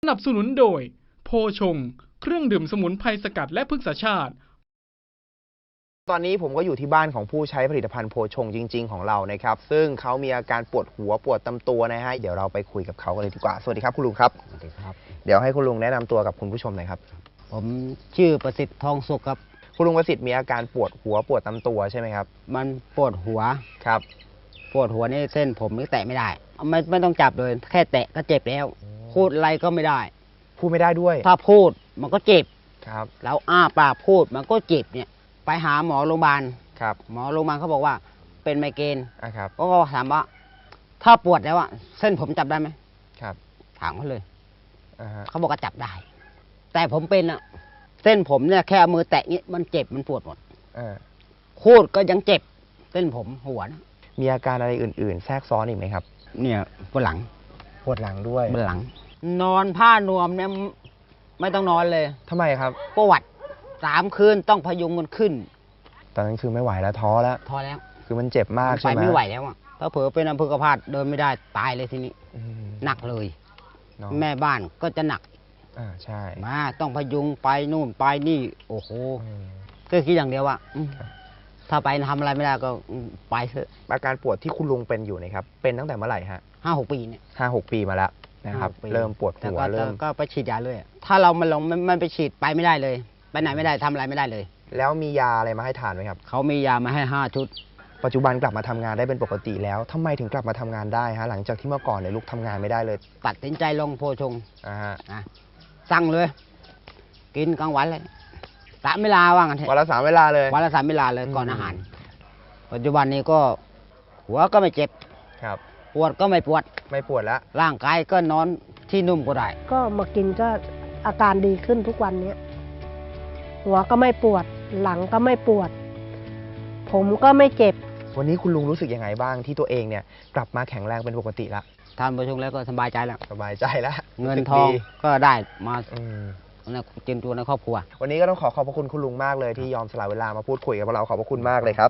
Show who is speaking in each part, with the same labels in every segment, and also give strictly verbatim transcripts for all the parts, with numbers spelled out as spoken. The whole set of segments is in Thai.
Speaker 1: นับสนุนโดยโพชงเครื่องดื่มสมุนไพรสกัดและพฤกษชาติ
Speaker 2: ตอนนี้ผมก็อยู่ที่บ้านของผู้ใช้ผลิตภัณฑ์โพชงจริงๆของเรานะครับซึ่งเขามีอาการปวดหัวปวดตามตัวนะฮะเดี๋ยวเราไปคุยกับเขากันเลยดีกว่าสวัสดีครับคุณลุงครับ
Speaker 3: สวัสดีครับ
Speaker 2: เดี๋ยวให้คุณลุงแนะนำตัวกับคุณผู้ชมหน่อยครับ
Speaker 3: ผมชื่อประสิทธิ์ทองสุขครับ
Speaker 2: คุณลุงประสิทธิ์มีอาการปวดหัวปวดตามตัวใช่ไหมครับ
Speaker 3: มันปวดหัว
Speaker 2: ครับ
Speaker 3: ปวดหัวนี่เส้นผมนี่แตะไม่ได้ไม่ไม่ต้องจับเลยแค่แตะก็เจ็บแล้วพูดอะไรก็ไม่ได้
Speaker 2: พูดไม่ได้ด้วย
Speaker 3: ถ้าพูดมันก็เจ็บ
Speaker 2: ครับ
Speaker 3: แล้วอ้าปากพูดมันก็เจ็บเนี่ยไปหาหมอโรงพยาบาล
Speaker 2: ครับ
Speaker 3: หมอโรงพยาบาลเขาบอกว่าเป็นไมเกรน
Speaker 2: อ่ะครับ
Speaker 3: ก็ถามว่าถ้าปวดแล้วอะเส้นผมจับได้ไหม
Speaker 2: ครับ
Speaker 3: ถามเขาเลย
Speaker 2: อ่าฮะ
Speaker 3: เขาบอกว่าจับได้แต่ผมเป็นอะเส้นผมเนี่ยแค่มือแตะนี้มันเจ็บมันปวดหมด
Speaker 2: อ่า
Speaker 3: พูดก็ยังเจ็บเส้นผมหัวนะ
Speaker 2: มีอาการอะไรอื่นๆแทรกซ้อนอีกไหมครับ
Speaker 3: เนี่ยปวดหลัง
Speaker 2: ปวดหลังด้วย
Speaker 3: ปวดหลังนอนผ้านวมเนี่ยไม่ต้องนอนเลย
Speaker 2: ทำไมครับ
Speaker 3: ปวดสามคืนต้องพยุงมันขึ้น
Speaker 2: ตอนนั้นคือไม่ไหวแล้วท้อแล้ว
Speaker 3: ท้อแล้ว
Speaker 2: คือมันเจ็บมากใช่ไหม
Speaker 3: ไปไม่ไหวแล้วอ่ะถ้าเผลอเป็นอัมพฤกษ์พาตเดินไม่ได้ตายเลยทีนี้หนักเลยแม่บ้านก็จะหนัก
Speaker 2: อ่าใช่
Speaker 3: มาต้องพยุงไปนู่นไปนี่โอ้โหก็คิดอย่างเดียวว่าถ้าไปทำอะไรไม่ได้ก็ไปเถอะ
Speaker 2: อาการปวดที่คุณลุงเป็นอยู่นะครับเป็นตั้งแต่เมื่อไหร่ฮะ
Speaker 3: ห้าหกปีเนี่ย
Speaker 2: ห้าหกปีมาแล้วนะครับเริ่มปวดหัวเริ่ม
Speaker 3: ก็ไปฉีดยาเลยถ้าเรามันลงมันไปฉีดไปไม่ได้เลยไปไหนไม่ได้ทำอะไรไม่ได้เลย
Speaker 2: แล้วมียาอะไรมาให้ทานไหมครับ
Speaker 3: เขามียามาให้ห้าชุด
Speaker 2: ปัจจุบันกลับมาทำงานได้เป็นปกติแล้วทำไมถึงกลับมาทำงานได้ฮะหลังจากที่เมื่อก่อนเนี่ยลูกทำงานไม่ได้เลย
Speaker 3: ตัดสินใจลงโพชง
Speaker 2: อ่าฮะ
Speaker 3: สั่งเลยกินกลางวันเลยสามเวลาว่างั้น
Speaker 2: วันละสามเวลาเลย
Speaker 3: วันละสามเวลาเลยก่อนอาหารปัจจุบันนี้ก็หัวก็ไม่เจ็บ
Speaker 2: ครับ
Speaker 3: ปวดก็ไม่ปวด
Speaker 2: ไม่ปวดแล้ว
Speaker 3: ร่างกายก็นอนที่นุ่มก็ได้
Speaker 4: ก็มากินก็อาการดีขึ้นทุกวันนี้หัวก็ไม่ปวดหลังก็ไม่ปวดผมก็ไม่เจ็บ
Speaker 2: วันนี้คุณลุงรู้สึกยังไงบ้างที่ตัวเองเนี่ยกลับมาแข็งแรงเป็นปกติละ
Speaker 3: ทานโพชงแล้วก็สบายใจแล้ว
Speaker 2: สบายใจแล้ว
Speaker 3: เงินทองก็ได้มา
Speaker 2: ใน
Speaker 3: เจนตัวในครอบครัว
Speaker 2: วันนี้ก็ต้องขอขอบพระคุณคุณลุงมากเลยที่ยอมสละเวลามาพูดคุยกับเราขอบพระคุณมากเลยครับ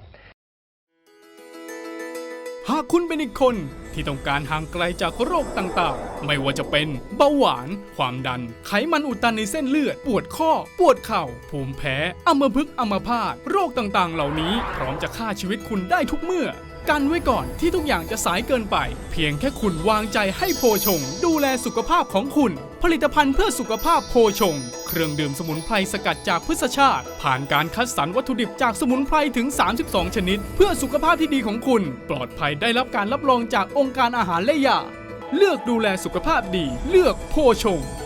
Speaker 1: หากคุณเป็นอีกคนที่ต้องการห่างไกลจากโรคต่างๆไม่ว่าจะเป็นเบาหวานความดันไขมันอุดตันในเส้นเลือดปวดข้อปวดเข่าภูมิแพ้อัมพฤกษ์อัมพาตโรคต่างๆเหล่านี้พร้อมจะฆ่าชีวิตคุณได้ทุกเมื่อกันไว้ก่อนที่ทุกอย่างจะสายเกินไปเพียงแค่คุณวางใจให้โพชงดูแลสุขภาพของคุณผลิตภัณฑ์เพื่อสุขภาพโพชงเครื่องดื่มสมุนไพรสกัดจากพฤกษชาติผ่านการคัดสรรวัตถุดิบจากสมุนไพรถึงสามสิบสองชนิดเพื่อสุขภาพที่ดีของคุณปลอดภัยได้รับการรับรองจากองค์การอาหารและยาเลือกดูแลสุขภาพดีเลือกโพชง